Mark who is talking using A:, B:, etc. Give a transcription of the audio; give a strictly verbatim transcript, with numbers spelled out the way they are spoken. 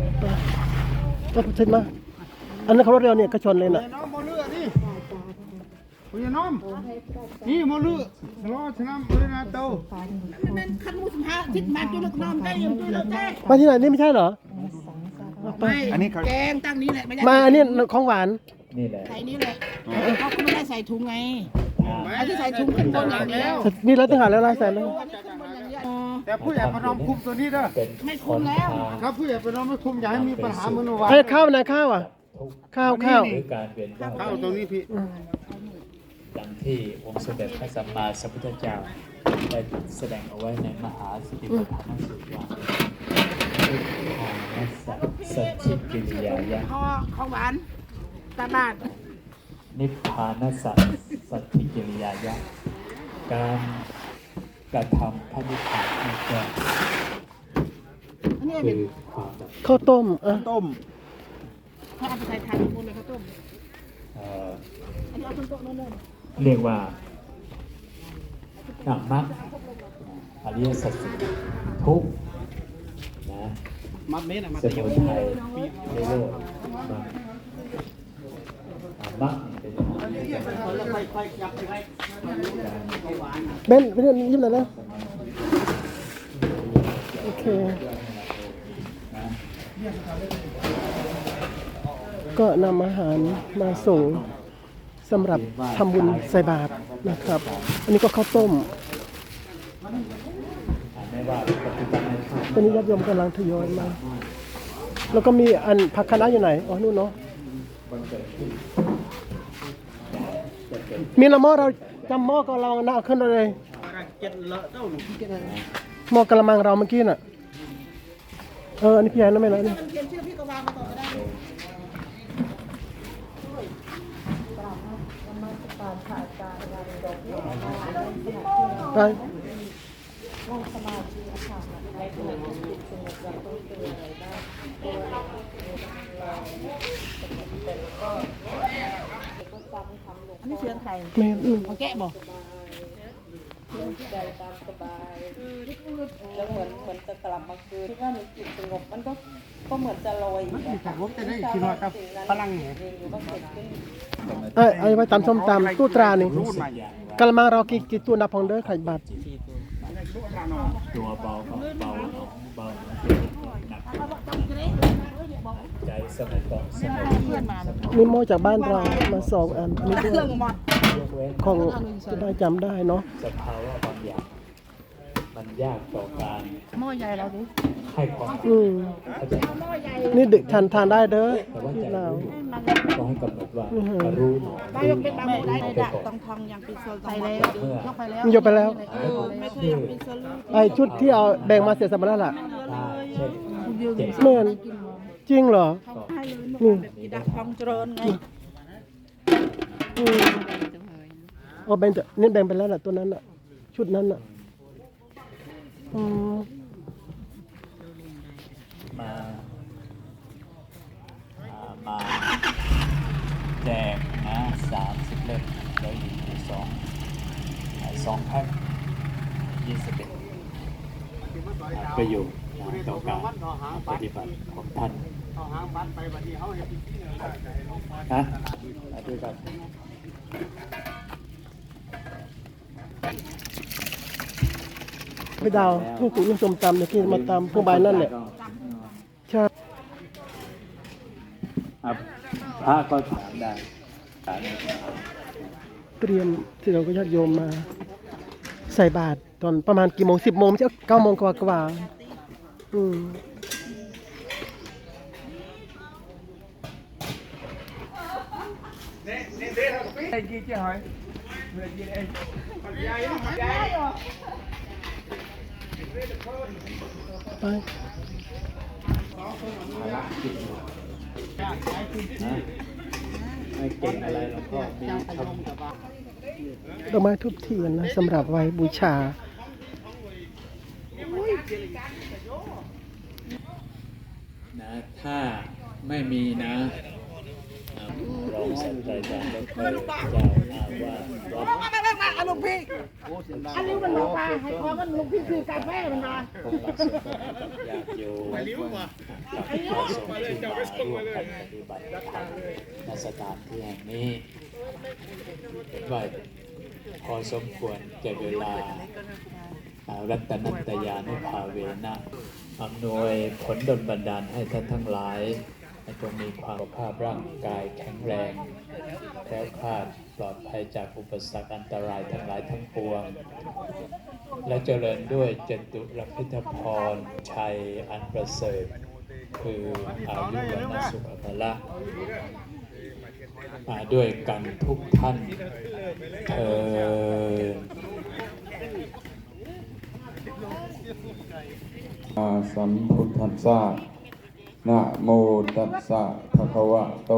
A: ก็เช็ดมาอันนั้นเขารถเร็วเนี่ยก็ชนเลยน่ะ
B: น้องโมเลือนี่คุณน้องนี่โมเลือรอชนะเลยนะเต้า
C: นั่นขันมุสมาทิศมาจุลน้ำได้ยังจุลได้
A: มาที่ไหนนี่ไม่ใช่เหรอ
C: ไม่อันนี้แกงตั้งนี้แหละไม่ได้
A: มาอันนี้ของหวาน
D: นี่แหละ
C: ใส่นี่แหละเขาไม่ได้ใส่ถุงไงไอ้ที่ใส่ถุงขึ้นบนอย่างเดียว
A: มีแล้วต้องหาแล้วลายใส่แล้ว
B: แต่ผู้ใหญ่ประนอมคุมตัวนี้เด้อ
C: ไม่คุมแล้ว
B: ครับผู้ใหญ่ประนอมไม่คุมอย่าให้มีปัญหาเหมือนวัน
A: ไอ้ข้าวนะข้าวอ่ะข้าวข้าว
B: ข้าวตรงนี้พี่
D: ดังที่องค์สมเด็จพระสัมมาสัมพุทธเจ้าได้แสดงเอาไว้ในมหาสติปัฏฐานสูตรว่าทานสัจสัจจิกิริยายะ
C: ข้อข้าวหวานตาบาด
D: นิพพานสัจสัจจิกิริยายะการกระทำพระนิพพานนั่นก็คือความดับ
A: ข้าวต้มอ่ะ
B: ต้ม
C: เขาเอาไปใส่ทานมูลเลยข้าวต้มอันนี้เอาต้นโต๊ะโน่น
D: เรียกว่าธรรมะอริยสัจสี่ทุกนะ
B: มัดเม็ดอะมัด
D: สมุทัยในโลกมรรคเป็น
A: เบนเบนยิ้มหน่อยนะโอเคก็นำอาหารมาส่งสำหรับทำบุญใส่บาตรนะครับอันนี้ก็ข้าวต้มตอนนี้ญาติโยมกำลังทยอยมาแล้วก็มีอันผักคะน้าอยู่ไหนอ๋อนู่นเนาะมีละหม้อเราจำหม้อก็เราหน้าขึ้นเลยหม้อกระมังเราเมื่อกี้น่ะเอออันนี้พี่ใหญ่นะไม่ละนี่ไป
C: อันนี้เชือไทย
A: ไม่
C: เอาแกะบอก
E: ใจตามสบายแล้วเหมือนเหมือนจะกลับมาคืนที่ว่ามีจิตสงบมันก็ก็เหมือนจะลอย
B: มันมีผมจะได้คิดว่ากับพลังเนี่ย
A: เอ้ยไอ้ไว้ตำส้มตำตู้ตรานี่กระมังเรากี่กี่ตัวนับพองเด้อไข่บัตร
D: ตัวเบาเบาเบาหนักใจสมัยก่อนสมัย
A: มีหม้อจากบ้านเรามาสองอันนี่ด้วยของจะได้จำได้เนาะ
D: สภาวะบางอย่างมันยากต่อการ
C: หม้อใหญ่เราดิ
D: ให้ความ
A: อืมนี่ดึกทานทานได้เด้อที่เรา
D: ต้องให้กำหนดว่ารู้
C: ไม่ยกเป็นบางได้ดักต้องทองอย่างเป็นโซนไปแล้วยกไปแล้ว
A: ยกไปแล้ว
C: ไม่เคยยังเป็นโซน
A: ไอชุดที่เอาแบ่งมาเสร็จสัมภาระล่ะเหมือนจริงเหรอ
C: นี่ดักทองเจริญไง
A: อ๋อแบ่งจะนี่แบ่งไปแล้วล่ะตัวนั้นอ่ะชุดนั้นอ่ะอืม
D: มามาแจกนะสามสิบเล่มแล้วอยู่สองสองแพ็คยี่สิบเอ็ดประโยชน์ต่อการปฏิบัติของท่านนะมาด้วยกัน
A: พี่ดาวผู้กุยสมตำเนี่ยที่มาตำผู้ใบนั่นแหละใช่
D: พระก็ถามได้
A: เตรียมที่เราก็ญาติโยมมาใส่บาตรตอนประมาณกี่โมงสิบโมงใช่เก้าโมงกว่ากว่าอืม
B: ไอ้กี่เจ้าหอยเมื่อกี้ไอ้ยายยาย
A: ไป
D: ไม่เก่งอะไรแล้วก็มีชม
A: ดอกไม้ทุบเทียนนะสำหรับไว้บูชา
D: นะถ้าไม่มีนะรองศาสตราจารย์ดรเจ้าอาวาสวัด
C: อันลุงพี่อันนี้มันบอกว่าให้ขอกันลุงพี่คือกาแฟมันมา
D: ผมรักสมบัติอยากอยู่กับพระสงฆ์ที่มาร่วมกันปฏิบัติธรรมณสถานที่แห่งนี้เห็นว่าพอสมควรแก่เวลารัตนัตยานุภาเวนะอำนวยผลดลบันดาลให้ท่านทั้งหลายจงมีความสุขภาพร่างกายแข็งแรงแคล้วคลาดปลอดภัยจากอุปสรรคอันตรายทั้งหลายทั้งปวงและเจริญด้วยจตุรพิธพรชัยอันประเสริฐคืออายุวันะสุขภละมาด้วยกันทุกท่านเถิด
F: สัมพุทธัสสะนะโมตัสสะภะคะวะโต